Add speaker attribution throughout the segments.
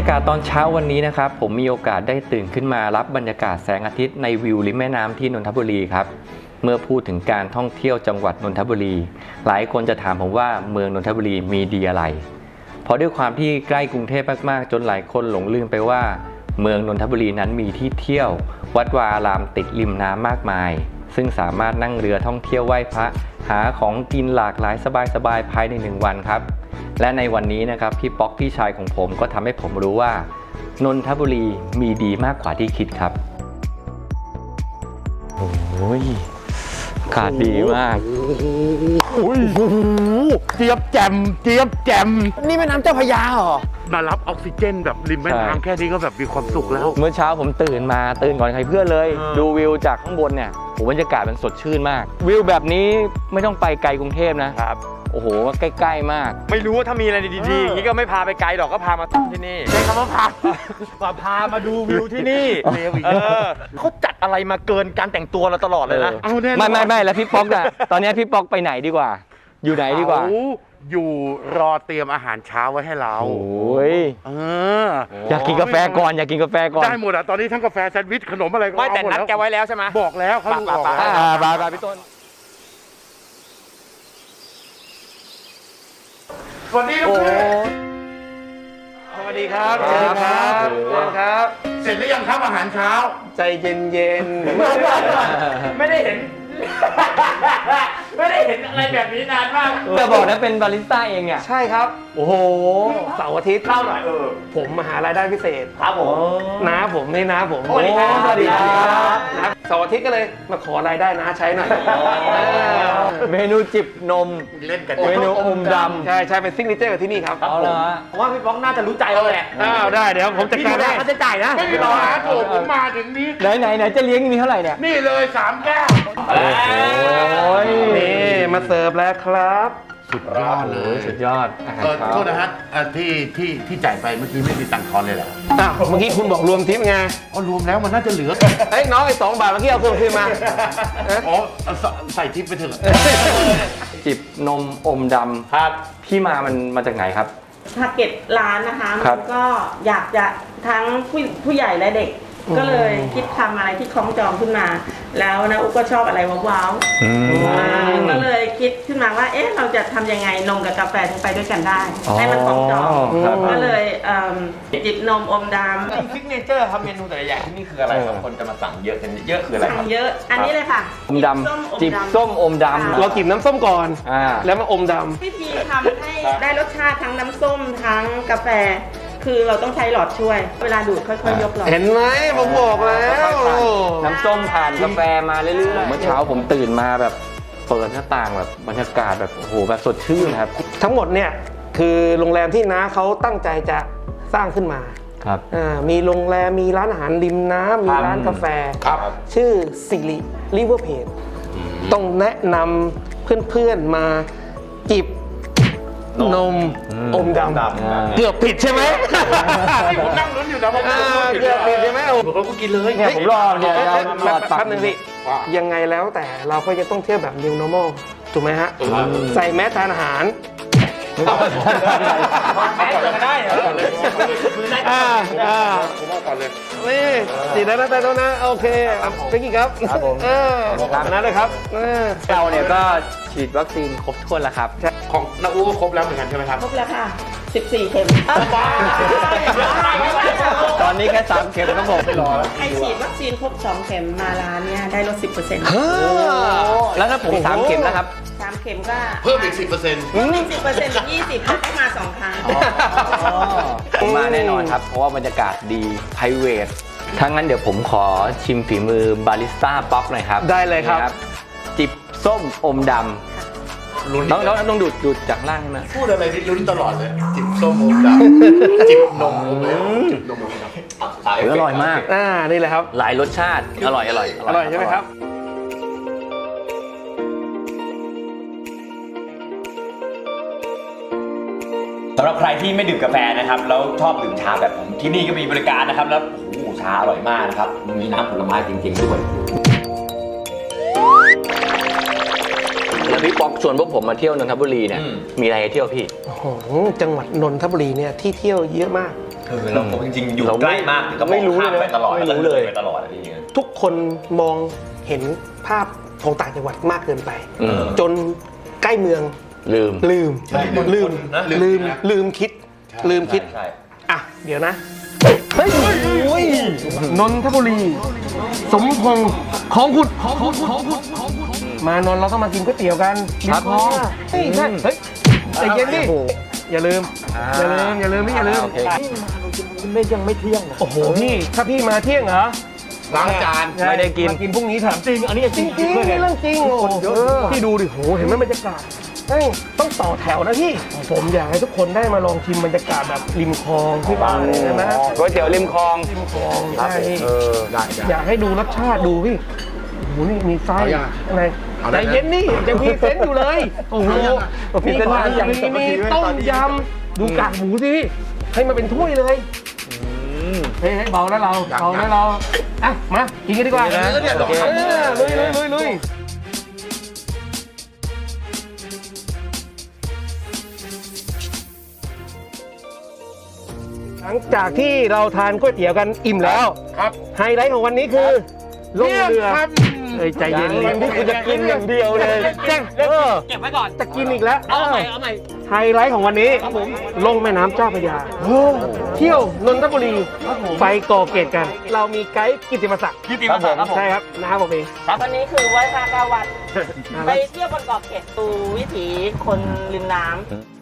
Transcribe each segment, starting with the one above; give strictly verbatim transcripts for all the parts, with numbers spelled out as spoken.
Speaker 1: ากาศตอนเช้าวันนี้นะครับผมมีโอกาสได้ตื่นขึ้นมารับบรรยากาศแสงอาทิตย์ในวิวริมแม่น้ำที่นนทบุรีครับเมื่อพูดถึงการท่องเที่ยวจังหวัดนนทบุรีหลายคนจะถามผมว่าเมืองนนทบุรีมีดีอะไรเพราะด้วยความที่ใกล้กรุงเทพมากๆจนหลายคนหลงลืมไปว่าเมืองนนทบุรีนั้นมีที่เที่ยววัดวาอารามติดริมน้ำมากมายซึ่งสามารถนั่งเรือท่องเที่ยวไหว้พระหาของกินหลากหลายสบายๆภายในหนึ่งวันครับและในวันนี้นะครับพี่ป๊อกพี่ชายของผมก็ทำให้ผมรู้ว่านนทบุรีมีดีมากกว่าที่คิดครับโอ้ยอากาศดีมาก
Speaker 2: โอ้ยเจี๊ยบแจ่มเจี๊ยบแจ่มนี่แม่น้ำเจ้าพระยาเหรอมารับออกซิเจนแบบริมแม่น้ำแค่นี้ก็แบบมีความสุขแล้ว
Speaker 1: เมื่อเช้าผมตื่นมาตื่นก่อนใครเพื่อนเลยดูวิวจากข้างบนเนี่ยโหบรรยากาศมันสดชื่นมากวิวแบบนี้ไม่ต้องไปไกลกรุงเทพนะครับโอ้โหใกล้ๆมาก
Speaker 3: ไม่รู้ว่าถ้ามีอะไรดีๆอย่างนี้ก็ไม่พาไปไกลหรอกก็พามาที่นี่
Speaker 2: ใช้คำว่าพามาพามาดูวิวที่นี่
Speaker 3: เออเขาจัดอะไรมาเกินการแต่งตัวเราตลอดเลยนะ
Speaker 1: ไม่ไม่ไม่แล้วพี่ป๊อกอะตอนนี้พี่ป๊อกไปไหนดีกว่าอยู่ไหนดีกว่า
Speaker 2: อยู่รอเตรียมอาหารเช้าไว้ให้เรา
Speaker 1: โอ้ย
Speaker 2: เออ
Speaker 1: อยากกินกาแฟก่อนอยากกินกาแฟก่อน
Speaker 2: ได้หมดอ่ะตอนนี้ทั้งกาแฟแซนด์วิชขนมอะไรก็
Speaker 3: ไม่แต่นัดแกไว้แล้วใช่ไหม
Speaker 2: บอกแล้วเขาบอก
Speaker 1: แล้วบาบาพี่ต้น
Speaker 2: สวัสดีทุกคน
Speaker 3: สวัสดีครับสวัสดีครับสวัสดีครับ
Speaker 2: เสร็จหรือยังครับอาหารเช้า
Speaker 3: ใจเย็นๆไม่ได้เห็นไม่ได้เห็นอะไรแบบนี้นานมาก
Speaker 1: จะบอกนะเป็นบาริสต้าเองอ่ะ
Speaker 3: ใช่ครับ
Speaker 1: โอ้โห
Speaker 3: เสาร์อาทิตย์
Speaker 2: เล่าหน่อยเออ
Speaker 3: ผมมาหารายได้พิเศษ
Speaker 2: ครับผม
Speaker 3: น้าผมนี่น้าผม
Speaker 1: สวัสดีครับสวัสดีครับ
Speaker 3: เสาร์อาทิตย์ก็เลยมาขอรายได้น้าใช้หน่อย
Speaker 1: เมนูจิบนม
Speaker 2: เล่นกัน
Speaker 1: เมนูอมดำ
Speaker 3: ใช่ใช่เป็นซิกเนเจอร์ที่นี่ครับ
Speaker 1: เอาละ
Speaker 3: ผมว่าพี่ป๊อกน่าจะรู้ใจเราแหละ
Speaker 1: อ้าวได้เดี๋ยวผมจะการได้
Speaker 3: เขาจะจ่ายนะ
Speaker 2: ไม่มีปัญหาโถผมมาถึงนี้
Speaker 1: ไหนไหนไหนจะเลี้ยงมีเท่าไหร่เนี่ย
Speaker 2: นี่เลยสามแก้ว
Speaker 1: โอ้ย
Speaker 3: นี่มาเสิร์ฟแล้วครับ
Speaker 2: สุดยอดเลย
Speaker 1: สุดยอดอาหารเช้า
Speaker 2: โทษนะฮะที่ที่ที่จ่ายไปเมื่อกี้ไม่มีตังค์ทอนเลยเหรอ
Speaker 3: อ้าวเมื่อกี้คุณบอกรวมทิปไง
Speaker 2: อ๋อรวมแล้วมันน่าจะเหลือ
Speaker 3: เฮ้ยน้องไอ้สองบาทเมื่อกี้เอาเพิ่มขึ้นมา
Speaker 2: อ๋อใส่ทิปไปเถอะ
Speaker 1: จิบนมอมดำครับที่มามันมาจากไหนครับ
Speaker 4: ทาร์เก็ตร้านนะคะมันก็อยากจะทั้งผู้ผู้ใหญ่และเด็กก็เลยคิดทำอะไรที่คล้องจองขึ้นมาแล้วนะอุ๊กก็ชอบอะไรว้าวๆก็เลยคิดขึ้นมาว่าเอ๊ะเราจะทำยังไงนมกับกาแฟถึงไปด้วยกันได้ให้มันคล้องจองก็เลยจิบนมอมดำ
Speaker 3: ซิกเนเจอร์ครับเมนูแต่ละอย่างที่นี่คืออะไรครับคนจะมาสั่งเยอะกันเยอะคืออะไร
Speaker 4: สั่งเยอะอันนี้เลยค่ะ
Speaker 1: อมดำจิบส้มอมดำ
Speaker 3: เราจิบน้ำส้มก่อนแล้วมาอมดำ
Speaker 4: วิธีทำให้ได้รสชาติทั้งน้ำส้มทั้งกาแฟคือเราต้องใช้หลอดช่วยเวลาดูดค่อยๆยกหลอด
Speaker 3: เห็นไหมผมบอกแล้ว
Speaker 1: น้ำส้มผ่านกาแฟมาเรื่อยๆเมื่อเช้าผมตื่นมาแบบเปิดหน้าต่างแบบบรรยากาศแบบโอ้โหแบบสดชื่นครับ
Speaker 3: ทั้งหมดเนี่ยคือโรงแรมที่น้าเขาตั้งใจจะสร้างขึ้นมา
Speaker 1: ครับ
Speaker 3: มีโรงแรมมีร้านอาหารริมน้ำมีร้านกาแฟชื่อสิริริเวอร์เพจต้องแนะนำเพื่อนๆมาจิบนมอมดำเกือบผิดใช่ไหม
Speaker 2: ผมนั่งลุ้นอยู่นะผม
Speaker 3: เกือบผิดใช่ไหมโอ้
Speaker 2: ผมก็กินเลย
Speaker 1: เนี่ยผมรอเนี่ย
Speaker 3: รอตับหนึ่งสิยังไงแล้วแต่เราก็จะต้องเที่ยวแบบ new normal ถูกไหมฮะใส่แมสทานอาหาร
Speaker 2: แมสจะได้เหรอ
Speaker 3: อ่าอ่า
Speaker 2: ผมเอาก่อนเลย
Speaker 3: นี่สีนั้นแต่ตรงนั้นโอเคไปกี่ครับ
Speaker 1: ครับผม
Speaker 3: เออนั่นเลยครับ
Speaker 1: เราเนี่ยก็ฉีดวัคซีนครบถ้วนแล้วครับ
Speaker 2: ของน้าอู้ก็ครบแล้วเหมือนกันใช่ไหมครับ
Speaker 4: ครบแล้วค่ะสิบสี่เข็ม
Speaker 1: ตอนนี้แค่สามเข็มต้องบอกไปรอแล้ว
Speaker 4: ใครฉีดวัคซีนครบสองเข็มมาร้านเนี่ยได้ลดสิบเปอร์เซ็นต์
Speaker 1: แล้วถ้าผมสามเข็มแล้วครับ
Speaker 4: สามเข็มก็
Speaker 2: เพิ่มอีกสิบเปอร์เซ็นต์
Speaker 4: เพิ่มอีกสิบเปอร์เซ็นต์เป็นยี่สิบได้มาสองครั้ง
Speaker 1: ผมมาแน่นอนครับเพราะว่าบรรยากาศดีไพรเวทถ้างั้นเดี๋ยวผมขอชิมฝีมือบาริสต้าป๊อกหน่อยครับ
Speaker 3: ได้เลยครับ
Speaker 1: จิบส้มอมดำต้องต้องต้องดูดดูดจากล่างใช่ไหม
Speaker 2: พูดอะไรนี่ลุ้นตลอดเลยจิบส้มอมดำจิบนมจิบนมอมดำ
Speaker 1: อร่อยมาก
Speaker 3: อ่านี่แหละครับ
Speaker 1: หลายรสชาติอร่อยอร่อย
Speaker 3: อร่อยใช่ไหมครับ
Speaker 5: สำหรับใครที่ไม่ดื่มกาแฟนะครับแล้วชอบดื่มชาแบบผมที่นี่ก็มีบริการนะครับแล้วโอ้โหชาอร่อยมากนะครับมีน้ำผลไม้จริงๆด้วย
Speaker 1: แล้วพี่ป๊อกชวนพวกผมมาเที่ยวนนทบุรีเนี่ยมีอะไรให้เที่ยวพี่
Speaker 3: โอ้โหจังหวัดนนทบุรีเนี่ยที่เที่ยวเยอะมาก
Speaker 5: คือเราจริงๆอยู่
Speaker 1: เรา
Speaker 5: ใกล้มากก็ม
Speaker 1: ไม่
Speaker 5: อง
Speaker 1: รู้
Speaker 5: ข้าม
Speaker 1: เลย
Speaker 5: ไปตลอด
Speaker 1: ไม่
Speaker 5: แล้ว
Speaker 1: รู้
Speaker 5: ก็
Speaker 1: เล
Speaker 5: เลย ยไปตลอดอะพี่
Speaker 3: ทุกคนมองเห็นภาพของต่างจังหวัดมากเกินไป
Speaker 1: อืม
Speaker 3: จนใกล้เมือง
Speaker 1: ลืม
Speaker 3: ลืม
Speaker 5: ใช่
Speaker 3: ลืม
Speaker 5: นะ
Speaker 3: ลืมลืมคิด ลืมคิด
Speaker 5: ใช่
Speaker 3: อ่ะ เดี๋ยวนะ เฮ้ยโอ้ยนนทบุรี สมพงษ์ของขุดของขุดของขุดมานนท์เราต้องมากินก๋วยเตี๋ยวกัน
Speaker 1: ครับ
Speaker 3: มคลองเฮ้ยใช่เฮ้ยใจเย็นดิ
Speaker 1: โอ้โห
Speaker 3: อย่าลืม อย่าลืม อย่าลืมพี่อย่าลืม
Speaker 1: โอเค
Speaker 3: ไม่ยังไม่เที่ยงโอ้โหพี่ ถ้าพี่มาเที่ยงเหรอ
Speaker 2: ล้างจาน
Speaker 1: ไม่ได้กิน
Speaker 3: มากินพรุ่งนี้ถามจริง อันนี้จริงจริงนี่เรื่องจริงโอ้โหพี่ดูดิโหเห็นไหมบรรยากาศเฮ้ยต้องต่อแถวนะพี่ ผมอยากให้ทุกคนได้มาลองชิมบรรยากาศแบบริมคลองที่บ้านเลยนะ
Speaker 1: ก๋วยเตี๋ยวริมคลอง
Speaker 3: ริมคลองใช่
Speaker 2: เออได้ได้
Speaker 3: อยากให้ดูรสชาติดูพี่โอ้โหนี่มีไส้
Speaker 2: เอายัง
Speaker 3: อะไร
Speaker 2: เอา
Speaker 3: ใจ
Speaker 2: ได้นะ
Speaker 3: เย็นนี่ยังมีเซนต์อยู่เลยโอ้โห
Speaker 1: เอายัง
Speaker 3: มี
Speaker 1: อ่ะ
Speaker 3: ผัด
Speaker 1: ยัง
Speaker 3: มี
Speaker 1: ยัง
Speaker 3: มีต้มยำดูกากหมูสิให้มาเป็นถ้วยเลยเฮ้ยให้เบาแล้วเราเบาแล้วเราอ่ะมากินกันดีกว่า
Speaker 1: นะ
Speaker 3: เออ
Speaker 1: โอเค
Speaker 3: ลุยลุยลุยลุยหลังจากที่เราทานก๋วยเตี๋ยวกันอิ่มแล้ว
Speaker 2: ครับ
Speaker 3: ไฮไลท์ของวันนี้คือลงเรือ
Speaker 2: ครับ
Speaker 3: เอ้ยใจเย็น
Speaker 1: ยังที่คุณจะกินอย่างเดียวเลย
Speaker 3: แจ้งเออ
Speaker 4: เก็บไว้ก่อน
Speaker 3: จะกินอีกแล้ว
Speaker 4: เอาใหม่เอาใหม่
Speaker 3: ไฮไลท์ของวันนี้ลงแม่น้ำเจ้าพระยาเที่ยวนนทบุรีไปก่อเกตกัน เรามีไกด์กิตติมศักดิ์
Speaker 4: กิตติมศักดิ์ครับผม
Speaker 3: ใช่ครับนะครับผมเอง
Speaker 4: วันนี้คือไหว้พระเก้าวัด ไปเที่ยวบนเกาะเกร็ดดูวิถีคนริมน้ำ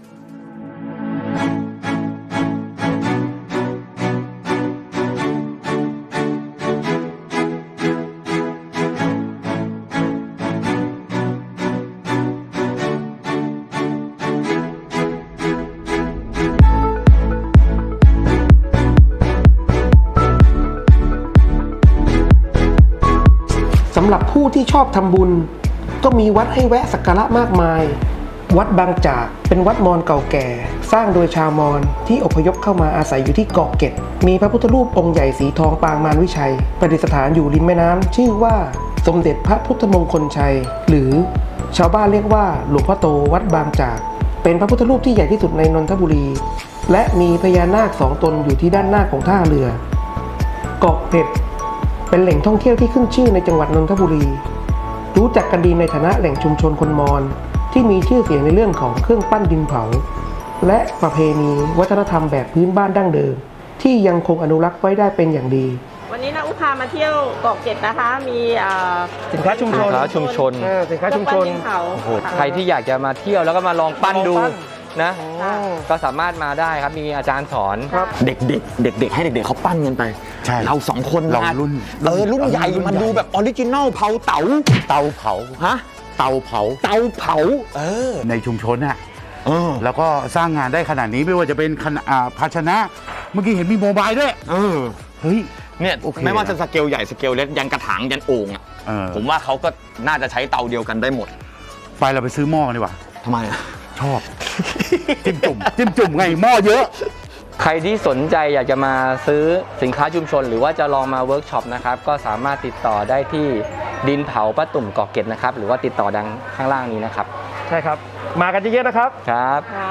Speaker 3: สำหรับผู้ที่ชอบทำบุญ ก็มีวัดให้แวะสักการะมากมาย วัดบางจากเป็นวัดมอญเก่าแก่ สร้างโดยชาวมอญที่อพยพเข้ามาอาศัยอยู่ที่เกาะเกร็ดมีพระพุทธรูปองค์ใหญ่สีทองปางมารวิชัย ประดิษฐานอยู่ริมแม่น้ำชื่อว่าสมเด็จพระพุทธมงคลชัย หรือชาวบ้านเรียกว่าหลวงพ่อโตวัดบางจาก เป็นพระพุทธรูปที่ใหญ่ที่สุดในนนทบุรี และมีพญานาคสองตนอยู่ที่ด้านหน้าของท่าเรือเกาะเกร็ดเป็นแหล่งท่องเที่ยวที่ขึ้นชื่อในจังหวัดนนทบุรี รู้จักกันดีในฐานะแหล่งชุมชนคนมอญที่มีชื่อเสียงในเรื่องของเครื่องปั้นดินเผา และประเพณีวัฒนธรรมแบบพื้นบ้านดั้งเดิม ที่ยังคงอนุรักษ์ไว้ได้เป็นอย่างดี
Speaker 4: วันนี้นะอุพามาเที่ยวเกาะเกร็ดนะคะ มีเอ่อ
Speaker 3: สินค้าชุมชน
Speaker 1: สินค้าชุมชน
Speaker 3: เออสินค้าชุมชน
Speaker 4: เครื่องปั้ดิเผา
Speaker 1: โอ้โหใครที่อยากจะมาเที่ยวแล้วก็มาลองปั้นดู
Speaker 3: ลองปั้น
Speaker 1: นะ
Speaker 4: ค่ะ
Speaker 1: ก็สามารถมาได้ครับ มีอาจารย์สอน
Speaker 3: ครับ
Speaker 5: เด็กๆ เด็กๆ ให้เด็กๆเขาปั้นกันไป
Speaker 2: ใช่
Speaker 5: เราสองคน
Speaker 2: เรา
Speaker 5: ม
Speaker 2: รุ่น
Speaker 5: เออรุ่นใหญ่
Speaker 2: รุ่น
Speaker 5: มา
Speaker 2: ใหญ่
Speaker 5: ดูแบบออริจินอลเผาเต๋า
Speaker 2: เตาเผา
Speaker 5: ฮะ
Speaker 2: เตาเผา
Speaker 5: เตาเผา เออ
Speaker 2: ในชุมชนน่ะ
Speaker 5: เออ
Speaker 2: แล้วก็สร้างงานได้ขนาดนี้ไม่ว่าจะเป็นขนาดอ่าภาชนะ เมื่อกี้เห็นมีโมบายด้วย
Speaker 5: เออ
Speaker 2: เฮ้ย
Speaker 5: เนี่ย
Speaker 2: โอเค
Speaker 5: ไม่ว่าจะสเกลใหญ่สเกลเล็กยันกระถางยันโอ่งอ่ะ
Speaker 2: เออ
Speaker 5: ผมว่าเขาก็น่าจะใช้เตาเดียวกันได้หมด
Speaker 2: ไปเราไปซื้อหม้อกันดีกว่า
Speaker 5: ทำไมอ่ะ
Speaker 2: ชอบ จิ้มจุ่มจิ้มจุ่มไงหม้อเยอะ
Speaker 1: ใครที่สนใจอยากจะมาซื้อสินค้าชุมชน หรือว่าจะลองมาเวิร์กช็อปนะครับ ก็สามารถติดต่อได้ที่ดินเผาป้าตุ่มเกาะเกร็ดนะครับ หรือว่าติดต่อดังข้างล่างนี้นะครับ
Speaker 3: ใช่ครับ มากันเยอะๆนะครับ
Speaker 1: ครับ
Speaker 4: ค่ะ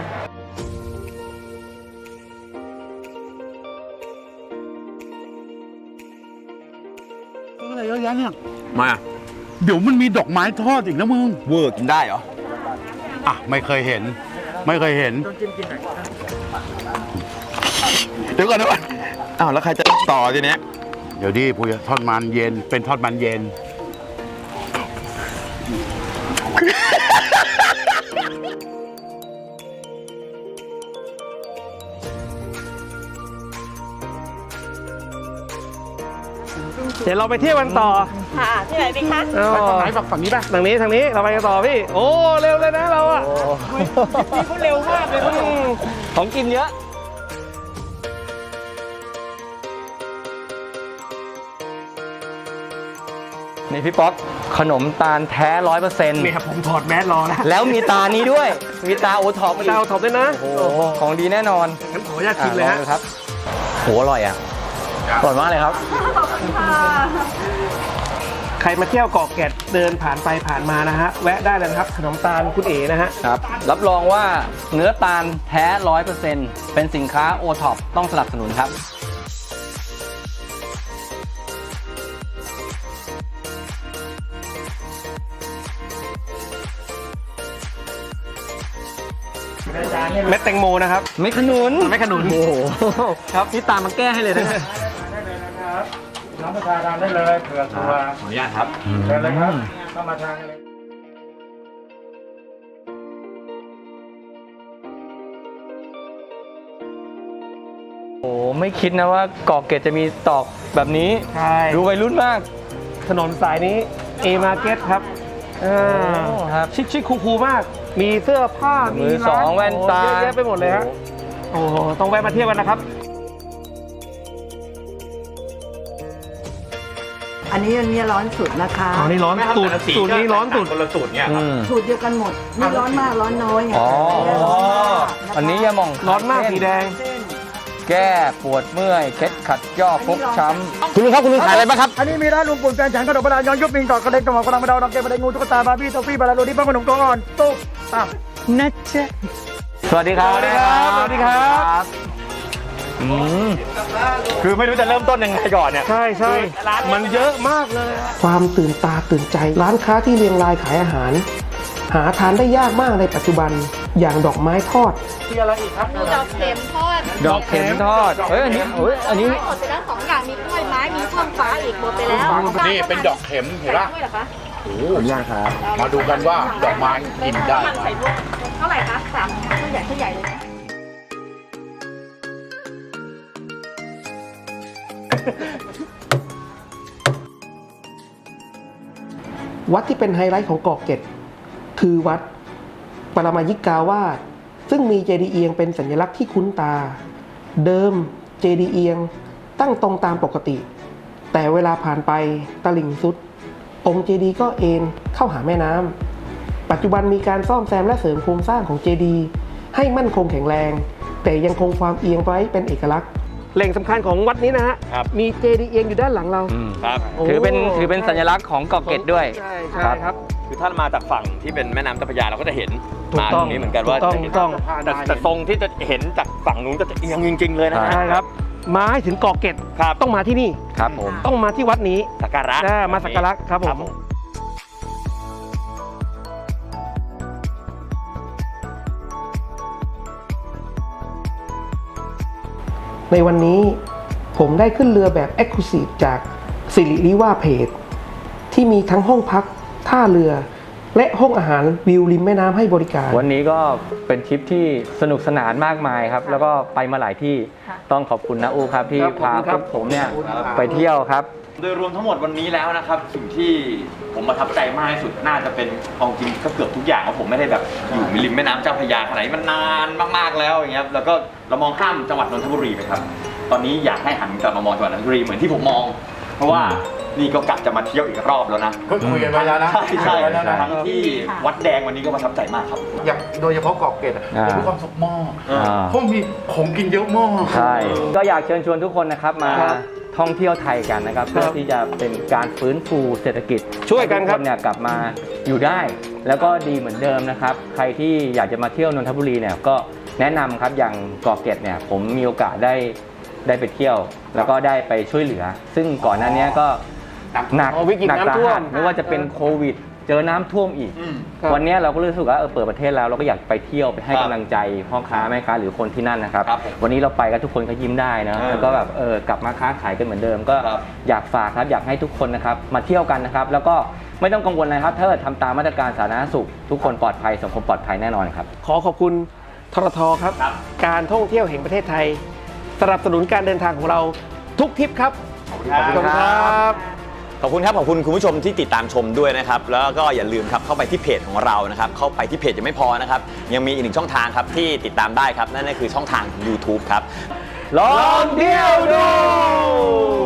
Speaker 2: อะไรเยอะแยะเนี่ย
Speaker 5: มา
Speaker 2: เดี๋ยวมันมีดอกไม้ทอดอีกนะมึง
Speaker 5: เวอร์กินได้เหรอ
Speaker 2: อ่ะไม่เคยเห็น ไม่เคยเห็น
Speaker 5: เดี๋ยวก่อนเดี๋ยวก่อนอ้าวแล้วใครจะต่อทีเนี้ย
Speaker 2: เดี๋ยวดิพูดทอดมันเย็น เป็นทอดมันเย็น
Speaker 3: เดี๋ยวเราไปเที่ยวกันต่อ
Speaker 4: ค่ะ ที่ไหนดีคะ
Speaker 3: เอา
Speaker 2: ไปฝั่งไหนฝั่งนี้ป่ะ
Speaker 3: ทางนี้ทางนี้เราไปกันต่อพี่ โอ้เร็วเลยนะเราอะ
Speaker 4: พี่เขาเร็วมากเลยครับผม
Speaker 1: ของกินเยอะ นี่พี่ป๊อกขนมตาลแท้ร้อยเปอร์เซ็นต์
Speaker 3: เนี่ยผมถอดแมสรอแล้ว
Speaker 1: แล้วมีตานี้ด้วย มีตาโอท็อป
Speaker 3: ดาวถอดด้วยนะ
Speaker 1: โอ้โหของดีแน่นอน
Speaker 3: งั้นขออนุญาตชิมเลยฮะ
Speaker 1: อ่ะองดูครับโหอร่อยอ่ะอร่อยมากเลยครับ
Speaker 3: คใครมาเที่ยวเกาะแก่ดเดินผ่านไปผ่านมานะฮะแวะได้เลยนะครับขนมตาลคุณเอ๋นะฮะ
Speaker 1: ครับรับรองว่าเนื้อตาลแท้ ร้อยเปอร์เซ็นต์ เป็นสินค้าโอท็อปต้องสนับสนุนครับ
Speaker 3: เม็ดแตงโมนะครับ
Speaker 1: ไม่ขนุน
Speaker 3: ไม่ขนุน
Speaker 1: โอ้โหครับนี่ตามมาแก้ให้เลยนะ
Speaker 2: น้ำประชาทานได้เลยเผื่อตัว
Speaker 5: ขออนุญาตครับ
Speaker 2: เชิญเลยครับเข้ามาทานกันเลย
Speaker 1: โอ้โหไม่คิดนะว่าเกาะเกร็ดจะมีตอกแบบนี้
Speaker 3: ใช่
Speaker 1: ดูวัยรุ่นมาก
Speaker 3: ถนนสายนี้ A Market ครับอ่า
Speaker 1: โอ้ครับ
Speaker 3: ชิคชิคคูคูลๆมาก มีเสื้อผ้า
Speaker 1: มือสอง
Speaker 3: ร้า
Speaker 1: แว่นตา
Speaker 3: โอ้เยอะแยะไปหมดเลยฮะโอ้โหต้องแวะมาเที่ยวกันนะครับ
Speaker 6: อันนี้อันนี้ร้อนสุดนะคะ
Speaker 3: อ๋อนี่ร้อนสูตรสูตรนี้ร้อนสุด
Speaker 2: คนละสูตรเนี่ยครับ
Speaker 1: อืม
Speaker 6: สูตรเดียวกันหมด นี่ร้อนมากร้อนน้อยไง
Speaker 1: อ๋อ
Speaker 6: ร้อนมาก
Speaker 1: อันนี้ยาหม่อง
Speaker 3: ร้อนมากสีแดง
Speaker 6: เส้น
Speaker 1: แก้ปวดเมื่อยเคล็ดขัดย่อฟกช้ำ
Speaker 3: คุณลุงครับคุณลุงขายอะไรบ้างครับ
Speaker 7: อันนี้มีร้านลุงปุ่นแฟนฉันขนมบาลานย้อนยุบปิงต่อกระเด็นกระหม่อมกระดังกระเดาดอกเกมกระเด็นงูตุ๊กตาบาร์บี้โทฟี่บาลาโรดี้ป้าขนมตัวอ่อนตุ๊กอ่ะ
Speaker 1: นะจ๊ะสวัสดีครับ
Speaker 3: สวัสดีครับสวัสดีครับ
Speaker 1: อืม
Speaker 2: คือไม่รู้จะเริ่มต้นยังไงก่อนเนี่ย
Speaker 3: ใช่ใช่มันเยอะมากเลย ความตื่นตาตื่นใจ ร้านค้าที่เรียงรายขายอาหาร หาทานได้ยากมากในปัจจุบันอย่างดอกไม้ทอด
Speaker 7: มีอะไรอีกครับ
Speaker 8: มีดอกเข็มทอด
Speaker 1: ดอกเข็มทอดเฮ้ยอันนี้เฮ้ยอันนี้
Speaker 8: ไม้หมดไปแล้วสองอย่าง มีกล้วยไม้ มีช่วงฟ้าอีกหมดไปแล้ว
Speaker 2: นี่เป็นดอกเข็มเห็นปะ
Speaker 8: ใส่ด้วยเหรอคะ
Speaker 2: โอ้โหมาดูกันว่าดอกไม้กินได้ไหม
Speaker 8: เท่าไหร่คะสามตัวใหญ่ตัวใหญ่เลยนะ
Speaker 3: วัดที่เป็นไฮไลท์ของเกาะเกร็ดคือวัดปรมายิกาวาสซึ่งมีเจดีย์เอียงเป็นสัญลักษณ์ที่คุ้นตา เดิมเจดีย์เอียงตั้งตรงตามปกติ แต่เวลาผ่านไปตลิ่งสุด องค์เจดีย์ก็เอ็นเข้าหาแม่น้ำปัจจุบันมีการซ่อมแซมและเสริมโครงสร้างของเจดีย์ให้มั่นคงแข็งแรง แต่ยังคงความเอียงไว้เป็นเอกลักษณ์แหล่งสำคัญของวัดนี้นะฮะมีเจดีย์เอียงอยู่ด้านหลังเรา
Speaker 1: อืม
Speaker 5: ครับ
Speaker 1: ถือเป็นถือเป็นสัญลักษณ์ของเกาะเกร็ดด้วย
Speaker 3: ใช่ใช่ครับ
Speaker 5: คือถ้ามาจากฝั่งที่เป็นแม่น้ำเจ้าพระยาเราก็จะเห็น
Speaker 3: ถูก
Speaker 5: มา
Speaker 3: ต้
Speaker 5: ต
Speaker 3: อ
Speaker 5: รง งนี้เหมือนกันว่า
Speaker 3: ถูกต้อง
Speaker 5: จะเห็น
Speaker 3: ถูกต้อง
Speaker 5: แต่แต่ทรงที่จะเห็นจากฝั่งนู้นก็จะเอียงจริง ๆ เลยนะฮะ
Speaker 3: ใช่ครับ มาให้ถึงเกาะเกร็ด
Speaker 5: ครับ
Speaker 3: ต้องมาที่นี่
Speaker 1: ครับผม
Speaker 3: ต้องมาที่วัดนี้
Speaker 5: สักการะ
Speaker 3: อ่ามาสักการะครับผม ในวันนี้ผมได้ขึ้นเรือแบบ Exclusive จากสิริริว่าเพจที่มีทั้งห้องพักท่าเรือ และห้องอาหารวิวริมแม่น้ำให้บริการ
Speaker 1: วันนี้ก็เป็นทริปที่สนุกสนานมากมายครับ แล้วก็ไปมาหลายที่
Speaker 8: ค่ะ
Speaker 1: ต้องขอบคุณนะอูครับที่
Speaker 3: ครับ
Speaker 1: พา
Speaker 3: ขอบคุณครับ
Speaker 1: พวกผมเนี่ยไปเที่ยวครับ
Speaker 5: โดยรวมทั้งหมดวันนี้แล้วนะครับสิ่งที่ผมประทับใจมากที่สุดน่าจะเป็นเอาจริงก็เกือบทุกอย่างเพราะผมไม่ได้แบบอยู่ริมแม่น้ำเจ้าพระยาขนาดนี้มันนานมากๆแล้วอย่างเงี้ยแล้วก็เรามองข้ามจังหวัดนนทบุรีไปครับ ตอนนี้อยากให้หันกลับมามองจังหวัดนนทบุรีเหมือนที่ผมมอง เพราะว่านี่ก็กลับจะมาเที่ยวอีกรอบแล้วนะ
Speaker 2: ก็คุยกันไว้แล้วนะ
Speaker 5: ใช่ใช่
Speaker 2: คุยกันไว้แล้วนะ
Speaker 5: ทั้งที่วัดแดงวันนี้ก็ประทับใจมากครับ
Speaker 2: อย่างโดยเฉพาะเกาะเกร็ดอะ
Speaker 1: อ่า
Speaker 2: มีความสุขมาก
Speaker 1: อ่า
Speaker 2: เพราะมีของกินเยอะมาก
Speaker 1: ใช่ ก็อยากเชิญชวนทุกคนนะครับมา
Speaker 3: ครับ
Speaker 1: ท่องเที่ยวไทยกันนะครับ เพื่อที่จะเป็นการฟื้นฟูเศรษฐกิจ
Speaker 3: ช่วยกันครับ
Speaker 1: ให้ทุกเนี่ยกลับมาอยู่ได้ แล้วก็ดีเหมือนเดิมนะครับ ใครที่อยากจะมาเที่ยวนนทบุรีเนี่ยก็แนะนำครับอย่างเกาะเกร็ดเนี่ยผมมีโอกาสได้ได้ไปเที่ยว แล้วก็ได้ไปช่วยเหลือ ซึ่งก่อนหน้านี้ก็หนัก
Speaker 3: อ๋อวิกฤต
Speaker 1: หนั
Speaker 3: น้ำ
Speaker 1: สา
Speaker 3: ท่ว
Speaker 1: หั
Speaker 3: ม
Speaker 1: สไม่ว่าจะเป็นโควิด เจอน้ำท่วมอีก
Speaker 3: ครับ
Speaker 1: วันนี้เราก็รู้สึกว่าเออเปิดประเทศแล้วเราก็อยากไปเที่ยวไปให้กำลังใจพ่อค้าแม่ค้าหรือคนที่นั่นนะครับ
Speaker 5: ครับผม
Speaker 1: วันนี้เราไปกันทุกคนก็ยิ้มได้นะ
Speaker 5: เออ
Speaker 1: แล้วก็แบบเออกลับมาค้าขายกันเหมือนเดิม ก็
Speaker 5: ครับ
Speaker 1: อยากฝากครับอยากให้ทุกคนนะครับมาเที่ยวกันนะครับแล้วก็ไม่ต้องกังวลเลยครับถ้าเกิดทำตามมาตรการสาธารณสุข ทุกคนปลอดภัยสังคมปลอดภัยแน่นอนครับ
Speaker 3: ขอขอบคุณทรทครับ
Speaker 5: ครับ
Speaker 3: การท่องเที่ยวแห่งประเทศไทยสนับสนุนการเดินทางของเราทุกทริปครับ
Speaker 5: ขอบคุณครับ ขอบคุณครับ ขอบคุณคุณผู้ชมที่ติดตามชมด้วยนะครับ แล้วก็อย่าลืมครับเข้าไปที่เพจของเรานะครับ เข้าไปที่เพจยังไม่พอนะครับ ยังมีอีกหนึ่งช่องทางครับที่ติดตามได้ครับ นั่นก็คือช่องทาง YouTube ครับ
Speaker 1: ลองเที่ยวดู